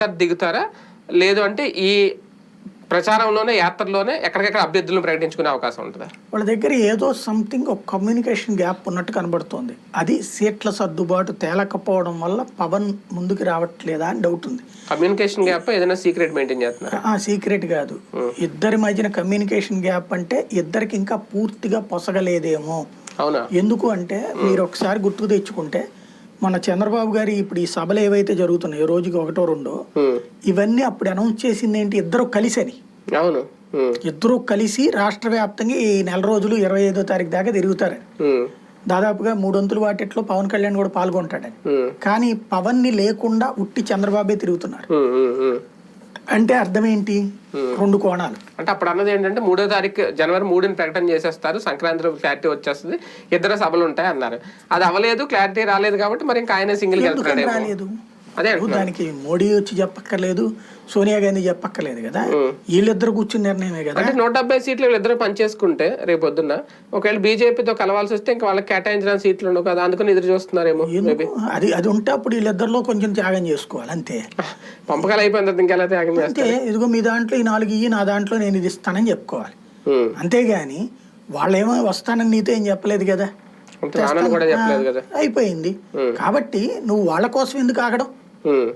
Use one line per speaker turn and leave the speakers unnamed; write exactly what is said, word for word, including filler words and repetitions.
దిగుతారా లేదు అంటే ఈ ప్రచారంలోనే యాత్రలోనే ఎక్కడికెక్కడ అభ్యర్థులను ప్రకటించుకునే అవకాశం ఉంటుందా?
వాళ్ళ దగ్గర ఏదో సంథింగ్ ఒక కమ్యూనికేషన్ గ్యాప్ ఉన్నట్టు కనబడుతోంది. అది సీట్ల సర్దుబాటు తేలకపోవడం వల్ల పవన్ ముందుకు రావట్లేదా అని డౌట్ ఉంది.
కమ్యూనికేషన్ గ్యాప్ ఏదైనా సీక్రెట్ మెయింటైన్ చేస్తున్నారు?
సీక్రెట్ కాదు, ఇద్దరి మధ్యన కమ్యూనికేషన్ గ్యాప్ అంటే ఇద్దరికి ఇంకా పూర్తిగా పొసగలేదేమో.
అవునా?
ఎందుకు అంటే మీరు ఒకసారి గుర్తుకు తెచ్చుకుంటే మన చంద్రబాబు గారి ఇప్పుడు ఈ సభలు ఏవైతే జరుగుతున్నాయో రోజుకి ఒకటో రెండో, ఇవన్నీ అప్పుడు అనౌన్స్ చేసింది ఏంటి, ఇద్దరు కలిసని.
అవును,
ఇద్దరు కలిసి రాష్ట్ర వ్యాప్తంగా ఈ నెల రోజులు ఇరవై ఐదో తారీఖు దాకా తిరుగుతారని. దాదాపుగా మూడొంతుల వాటిట్లో పవన్ కళ్యాణ్ కూడా పాల్గొంటాడని. కానీ పవన్ ని లేకుండా ఉట్టి చంద్రబాబే తిరుగుతున్నారు. అంటే అర్థం ఏంటి? రెండు కోణాలు.
అంటే అప్పుడు అన్నది ఏంటంటే మూడో తారీఖు జనవరి మూడుని ప్రకటన చేసేస్తారు, సంక్రాంతిలో క్లారిటీ వచ్చేస్తుంది, ఇద్దరు సభలు ఉంటాయి అన్నారు. అది అవ్వలేదు, క్లారిటీ రాలేదు కాబట్టి మరి ఇంకా ఆయన సింగిల్
రాలేదు. అదే దానికి మోడీ వచ్చి చెప్పక్కర్లేదు, సోనియా గాంధీ చెప్పక్కర్లేదు కదా, వీళ్ళిద్దరు కూర్చుని నిర్ణయమే కదా.
అంటే నూట డెబ్బై సీట్లు వీళ్ళిద్దరు పనిచేసుకుంటే రేపు పొద్దున్న ఒకవేళ బీజేపీతో కలవాల్సి వస్తే ఇంకా వాళ్ళకి కేటాయించిన సీట్లు ఉండవు కదా, అందుకని ఎదురు చూస్తున్నారేమో.
అది అది ఉంటే అప్పుడు వీళ్ళిద్దరిలో కొంచెం త్యాగం చేసుకోవాలి అంతే.
పంపకాలు అయిపోయిన తర్వాత ఇంకెలా త్యాగం చేస్తే,
ఇదిగో మీ దాంట్లో ఈ నాలుగు ఇయ్యి, నా దాంట్లో నేను ఇది ఇస్తానని చెప్పుకోవాలి. అంతేగాని వాళ్ళేమో వస్తానని నీతో ఏం చెప్పలేదు కదా,
కూడా చెప్పలేదు కదా,
అయిపోయింది. కాబట్టి నువ్వు వాళ్ళ కోసం ఎందుకు ఆగడం?